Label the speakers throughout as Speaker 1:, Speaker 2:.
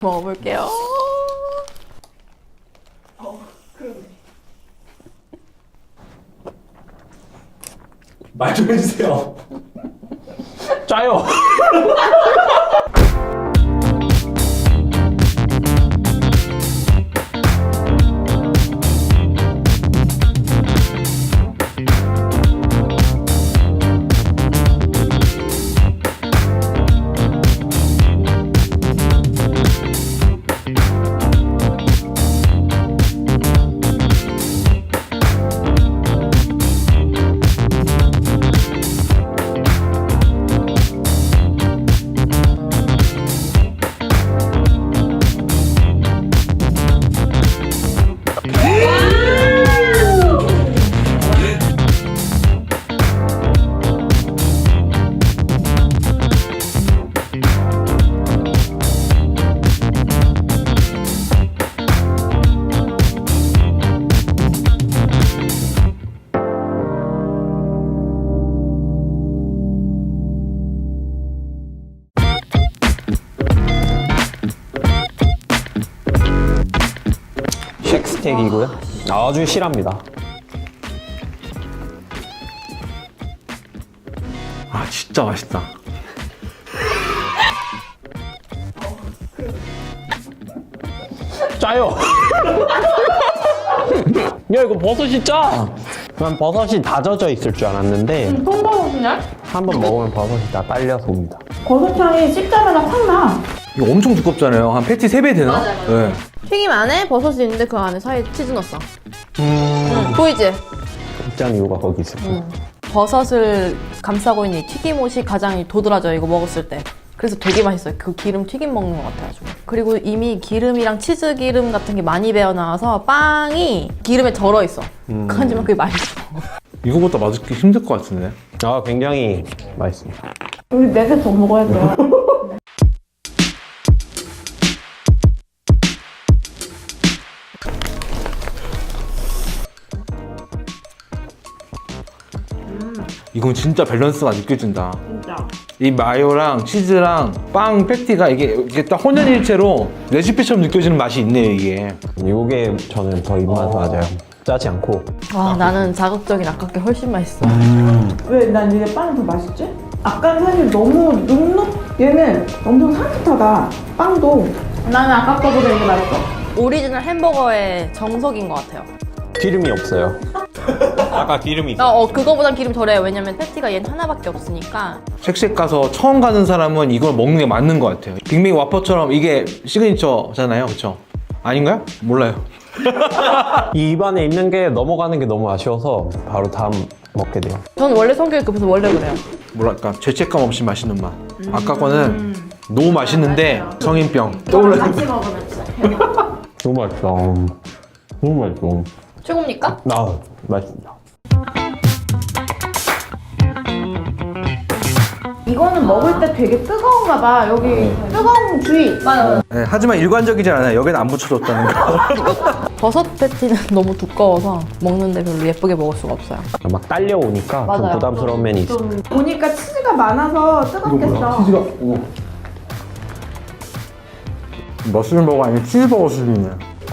Speaker 1: 먹어볼게요.
Speaker 2: 그러네. 말 좀 해주세요.
Speaker 3: 짜요. 쉑스테이크이고요. 아주 실합니다.
Speaker 2: 아 진짜 맛있다.
Speaker 3: 짜요. 야 이거 버섯이 짜. 난 버섯이 다 젖어 있을 줄 알았는데
Speaker 1: 통버섯이냐?
Speaker 3: 한번 먹으면 버섯이 다 딸려서 옵니다.
Speaker 1: 버섯향이 씹자마자 확 나.
Speaker 2: 이거 엄청 두껍잖아요. 한 패티 3배 되나?
Speaker 1: 맞아요.
Speaker 2: 네.
Speaker 1: 튀김 안에 버섯이 있는데 그 안에 사이에 치즈 넣었어. 보이지?
Speaker 3: 입장 이유가 거기 있을 거예요.
Speaker 1: 버섯을 감싸고 있는 이 튀김옷이 가장 도드라져요, 이거 먹었을 때. 그래서 되게 맛있어요. 그 기름 튀김 먹는 것 같아가지고. 그리고 이미 기름이랑 치즈 기름 같은 게 많이 배어나와서 빵이 기름에 절어있어. 하지만 그게 맛있어.
Speaker 2: 이거보다 맛있기 힘들 것 같은데.
Speaker 3: 아 굉장히 맛있습니다.
Speaker 1: 우리 4개 더 먹어야 돼요.
Speaker 2: 이건 진짜 밸런스가 느껴진다.
Speaker 1: 진짜.
Speaker 2: 이 마요랑 치즈랑 빵 패티가 이게 딱 혼연일체로 레시피처럼 느껴지는 맛이 있네요, 이게.
Speaker 3: 이게 저는 더 입맛 맞아요. 짜지 않고.
Speaker 1: 와, 나는 자극적인 아깝게 훨씬 맛있어.
Speaker 4: 왜 난 이게 빵이 더 맛있지? 아까는 사실 너무 눅눅 얘는 엄청 산뜻하다 빵도. 나는 아까 거보다 이게 맛있어.
Speaker 1: 오리지널 햄버거의 정석인 것 같아요.
Speaker 3: 기름이 없어요. 아까 기름이 있어요.
Speaker 1: 그거보단 기름 덜해요. 왜냐면 패티가 얘는 하나밖에 없으니까.
Speaker 2: 쉑쉑 가서 처음 가는 사람은 이걸 먹는 게 맞는 것 같아요. 빅맥 와퍼처럼 이게 시그니처잖아요, 그쵸? 아닌가요? 몰라요.
Speaker 3: 이 입안에 있는 게 넘어가는 게 너무 아쉬워서 바로 다음 먹게 돼요.
Speaker 1: 저는 원래 성격이 급해서 원래 그래요.
Speaker 2: 뭐랄까, 죄책감 없이 맛있는 맛. 아까 거는 너무 맛있는데 성인병 떠올라요.
Speaker 1: 같이 먹으면 진짜 대박.
Speaker 3: 너무 맛있다. 너무 맛있어.
Speaker 1: 최고입니까?
Speaker 3: 아 맛있습니다.
Speaker 4: 이거는 먹을 때 되게 뜨거운가 봐. 여기 뜨거운 주의.
Speaker 1: 맞아요.
Speaker 2: 네, 하지만 일관적이지 않아요. 여기는 안 붙여줬다는 거.
Speaker 1: 버섯 패티는 너무 두꺼워서 먹는데 별로 예쁘게 먹을 수가 없어요.
Speaker 3: 막 딸려오니까 좀
Speaker 1: 맞아요.
Speaker 3: 부담스러운 면이 있어요.
Speaker 4: 좀 보니까 치즈가 많아서 뜨겁겠어.
Speaker 2: 머슬버거 아니면 치즈버거 수준이네.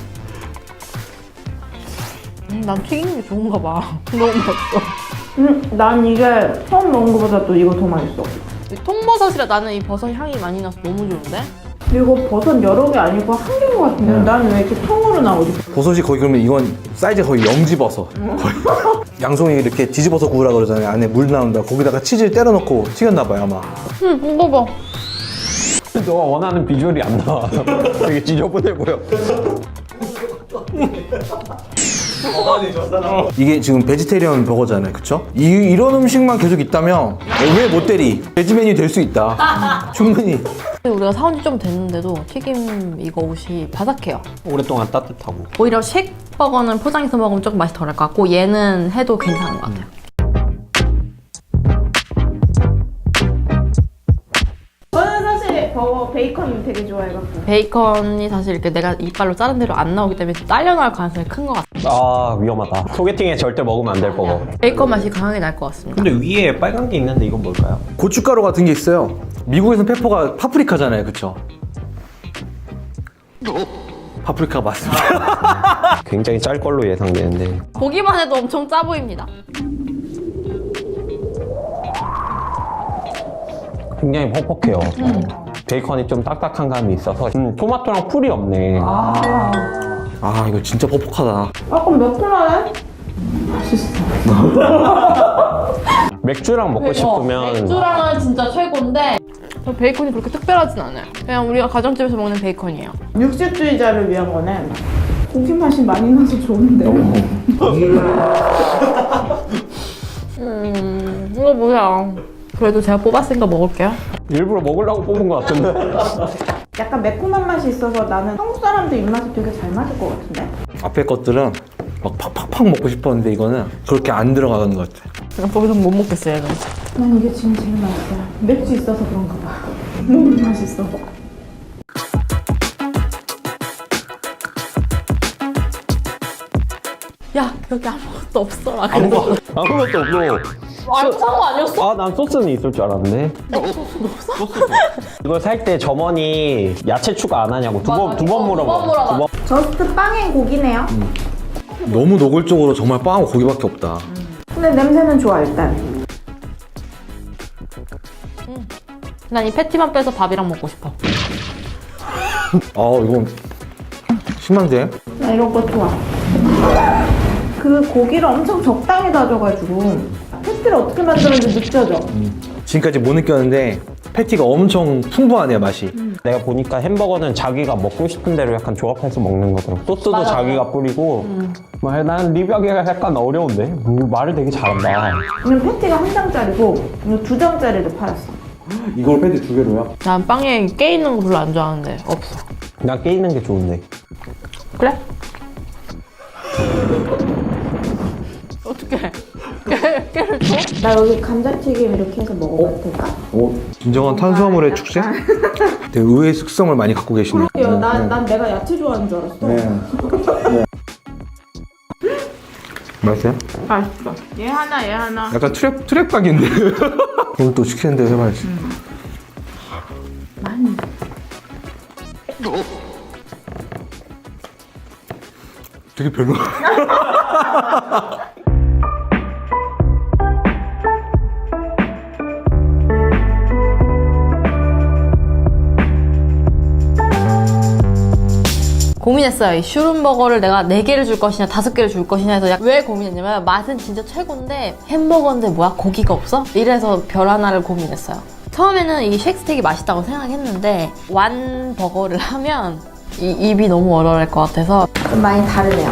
Speaker 1: 난 튀긴 게 좋은가 봐. 너무 맛있어.
Speaker 4: 난 이게 처음 먹은 것보다 또 이거 더 맛있어.
Speaker 1: 이 통버섯이라 나는 이 버섯 향이 많이 나서 너무 좋은데?
Speaker 4: 이거 버섯 여러 개 아니고 한 개인 것 같은데 나는 왜 이렇게 통으로 나오지?
Speaker 2: 버섯이 거의 그러면 이건 사이즈가 거의 영지버섯. 거의. 양송이 이렇게 뒤집어서 구우라 그러잖아요. 안에 물 나온다. 거기다가 치즈를 때려 넣고 튀겼나 봐요, 아마.
Speaker 1: 이거 봐.
Speaker 3: 너가 원하는 비주얼이 안 나와. 되게 지저분해 보여.
Speaker 2: 이게 지금 베지테리언 버거잖아요, 그쵸? 이런 음식만 계속 있다면 왜 못 때리? 베지 메뉴 될 수 있다. 충분히.
Speaker 1: 우리가 사온 지 좀 됐는데도 튀김 이거 옷이 바삭해요.
Speaker 3: 오랫동안 따뜻하고.
Speaker 1: 오히려 쉑버거는 포장해서 먹으면 조금 맛이 덜할 것 같고 얘는 해도 괜찮은 것 같아요.
Speaker 4: 저는 사실 버거 베이컨 되게 좋아해갖고.
Speaker 1: 베이컨이 사실 이렇게 내가 이빨로 자른 대로 안 나오기 때문에 딸려 나올 가능성이 큰 것 같아요.
Speaker 3: 아 위험하다. 소개팅에 절대 먹으면 안 될 버거.
Speaker 1: 베이컨 맛이 강하게 날 것 같습니다.
Speaker 3: 근데 위에 빨간 게 있는데 이건 뭘까요?
Speaker 2: 고춧가루 같은 게 있어요. 미국에서는 페퍼가 파프리카잖아요, 그쵸? 파프리카 맞습니다.
Speaker 3: 굉장히 짤 걸로 예상되는데
Speaker 1: 보기만 해도 엄청 짜 보입니다.
Speaker 3: 굉장히 퍽퍽해요. 베이컨이 좀 딱딱한 감이 있어서 토마토랑 풀이 없네.
Speaker 2: 아 이거 진짜 퍽퍽하다.
Speaker 4: 조금 매콤하네? 맛있어.
Speaker 3: 맥주랑 먹고 싶으면
Speaker 1: 맥주랑은 진짜 최고인데 저 베이컨이 그렇게 특별하진 않아요. 그냥 우리가 가정집에서 먹는 베이컨이에요.
Speaker 4: 육식주의자를 위한 거네. 고기 맛이 많이 나서 좋은데.
Speaker 1: 이거 뭐야. 그래도 제가 뽑았으니까 먹을게요.
Speaker 3: 일부러 먹으려고 뽑은 것 같은데.
Speaker 4: 약간 매콤한 맛이 있어서 나는 한국 사람들 입맛에 되게 잘 맞을 것 같은데?
Speaker 2: 앞에 것들은 막 팍팍팍 먹고 싶었는데 이거는 그렇게 안 들어가는 것 같아.
Speaker 1: 그냥 거기서 못 먹겠어요, 이거.
Speaker 4: 난 이게 지금 제일 맛있어. 맥주 있어서 그런가 봐. 너무 맛있어.
Speaker 1: 야, 여기 아무것도 없어라.
Speaker 3: 아무것도 없고.
Speaker 1: 안 산 거 아니었어?
Speaker 3: 아, 난 소스는 있을 줄 알았네. 이걸 살 때 점원이 야채 추가 안 하냐고 두 번 물어봐.
Speaker 4: 저스트 빵엔 고기네요.
Speaker 2: 너무 노골적으로 정말 빵하고 고기밖에 없다.
Speaker 4: 근데 냄새는 좋아 일단.
Speaker 1: 난 이 패티만 빼서 밥이랑 먹고 싶어.
Speaker 2: 아 이건 심한데?
Speaker 4: 나 이런 거 좋아. 그 고기를 엄청 적당히 다져가지고 패티를 어떻게 만드는지 느껴져.
Speaker 2: 지금까지 못 느꼈는데 패티가 엄청 풍부하네요 맛이.
Speaker 3: 내가 보니까 햄버거는 자기가 먹고 싶은 대로 약간 조합해서 먹는 거더라고. 소스도
Speaker 1: 맞아.
Speaker 3: 자기가 뿌리고. 난 리뷰하기가 약간 어려운데? 말을 되게 잘한다.
Speaker 4: 그냥 패티가 한 장짜리고 이거 두 장짜리를 팔았어.
Speaker 2: 이걸 패티 두 개로요?
Speaker 1: 난 빵에 깨 있는 거 별로 안 좋아하는데 없어.
Speaker 3: 난 깨 있는 게 좋은데.
Speaker 1: 그래? 어떡해. 깨를 줘?
Speaker 4: 나 여기 감자튀김 이렇게 해서 먹어봐도 될까?
Speaker 2: 오 진정한 탄수화물의 축제? 되게 의외의 특성을 많이 갖고 계시네요.
Speaker 4: 그래요. 난 내가 야채 좋아하는 줄 알았어.
Speaker 2: 네. 맛있어요?
Speaker 4: 맛있어. 얘 하나.
Speaker 2: 약간 트랩 각인데. 그럼 또 시키는 대로 해봐야지.
Speaker 4: 많이.
Speaker 2: 되게 별로.
Speaker 1: 고민했어요. 이 슈름버거를 내가 4개를 줄 것이냐 5개를 줄 것이냐 해서 왜 고민했냐면 맛은 진짜 최고인데 햄버거인데 뭐야 고기가 없어? 이래서 별 하나를 고민했어요. 처음에는 이 쉑스택이 맛있다고 생각했는데 완버거를 하면 이 입이 너무 얼얼할 것 같아서
Speaker 4: 좀 많이 다르네요.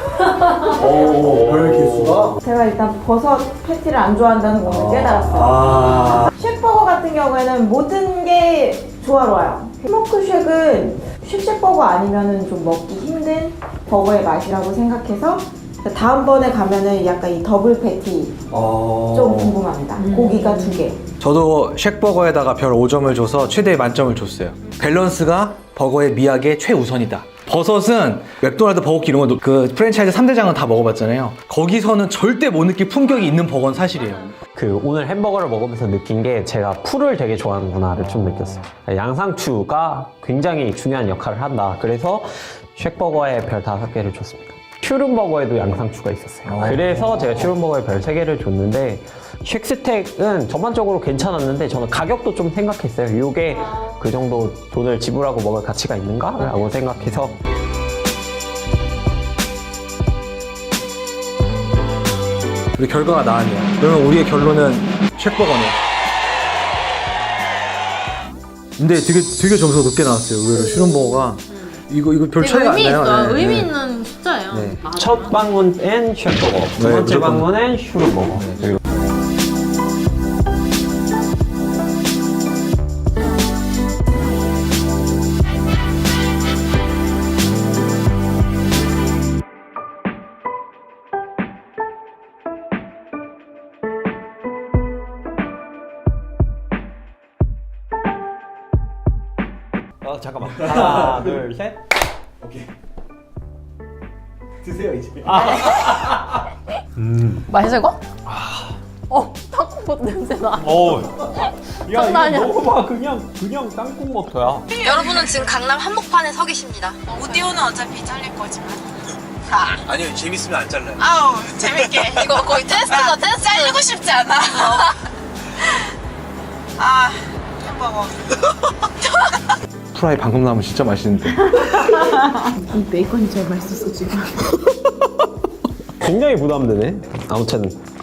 Speaker 2: 별 개수가?
Speaker 4: 제가 일단 버섯 패티를 안 좋아한다는 걸 깨달았어요. 쉑버거 같은 경우에는 모든 게 조화로워요. 스모크 쉑은 쉑쉑버거 아니면은 좀 먹기 힘든 버거의 맛이라고 생각해서 다음번에 가면은 약간 이 더블 패티 좀 궁금합니다. 고기가 2개.
Speaker 2: 저도 쉑버거에다가 별 5점을 줘서 최대 만점을 줬어요. 밸런스가 버거의 미학의 최우선이다. 버섯은 맥도날드, 버거킹 이런 거 그 프랜차이즈 3대장은 다 먹어봤잖아요. 거기서는 절대 못 느낄 품격이 있는 버거는 사실이에요.
Speaker 3: 오늘 햄버거를 먹으면서 느낀 게 제가 풀을 되게 좋아하는구나를 좀 느꼈어요. 양상추가 굉장히 중요한 역할을 한다. 그래서 쉑버거에 별 5개를 줬습니다. 슈름버거에도 양상추가 있었어요. 그래서 제가 슈름버거에 별 3개를 줬는데 쉑스택은 전반적으로 괜찮았는데 저는 가격도 좀 생각했어요. 이게 그 정도 돈을 지불하고 먹을 가치가 있는가? 라고 생각해서
Speaker 2: 우리 결과가 나왔네요. 그러면 우리의 결론은 쉑버거네요. 근데 되게 점수가 높게 나왔어요. 의외로 슈름버거가 이거 별 차이가 안
Speaker 1: 의미
Speaker 2: 나요.
Speaker 1: 있어.
Speaker 2: 네,
Speaker 1: 의미
Speaker 2: 네.
Speaker 1: 있는 숫자예요.
Speaker 2: 네.
Speaker 3: 첫 방문엔 쉑버거, 두
Speaker 2: 네,
Speaker 3: 번째
Speaker 2: 무조건.
Speaker 3: 방문엔 슈름버거. 그리고 잠깐만. 하나, 둘, 셋.
Speaker 2: 드세요 이제.
Speaker 1: 맛있어 이거? 탕콩버터 냄새 나.
Speaker 3: 오.
Speaker 1: 장난 아니야.
Speaker 3: 먹어봐. 그냥 땅콩버터야.
Speaker 1: 여러분은 지금 강남 한복판에 서 계십니다.
Speaker 5: 오디오는 어차피 잘릴 거지만.
Speaker 2: 아니요, 재밌으면 안 잘라요.
Speaker 5: 아우, 재밌게.
Speaker 1: 이거 거의 테스트다, 테스트.
Speaker 5: 잘리고 싶지 않아. 아, 햄버거.
Speaker 2: 프라이 방금 나오면 진짜 맛있는데.
Speaker 4: 이 베이컨이 제일 맛있었어 지금.
Speaker 3: 굉장히 부담되네. 아무튼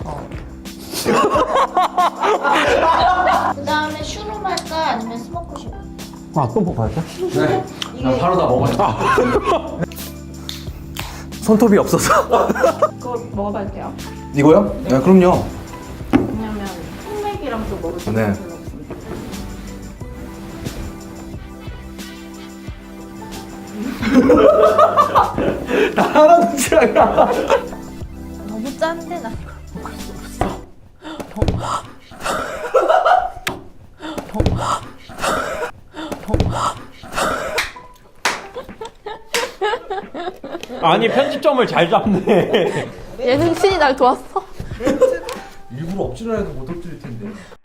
Speaker 6: 그 다음에 슈룸 할까 아니면 스모크 슈룸?
Speaker 3: 또 먹어야죠.
Speaker 2: 네. 난 바로 다 먹어요. 손톱이 없어서.
Speaker 4: 그거 먹어봐도 돼요?
Speaker 2: 이거요? 네, 그럼요.
Speaker 4: 왜냐면 흑맥이랑 또 먹을 때
Speaker 2: 네.
Speaker 4: 별로 없습니다.
Speaker 2: 나 하나도 싫어요.
Speaker 1: 너무 짠데, 나 이걸 먹을 수 없어.
Speaker 3: 아니 편집점을 잘 잡네.
Speaker 1: 예능신이 날 도왔어.
Speaker 2: 일부러 엎질러야 해도 못 엎질릴 텐데.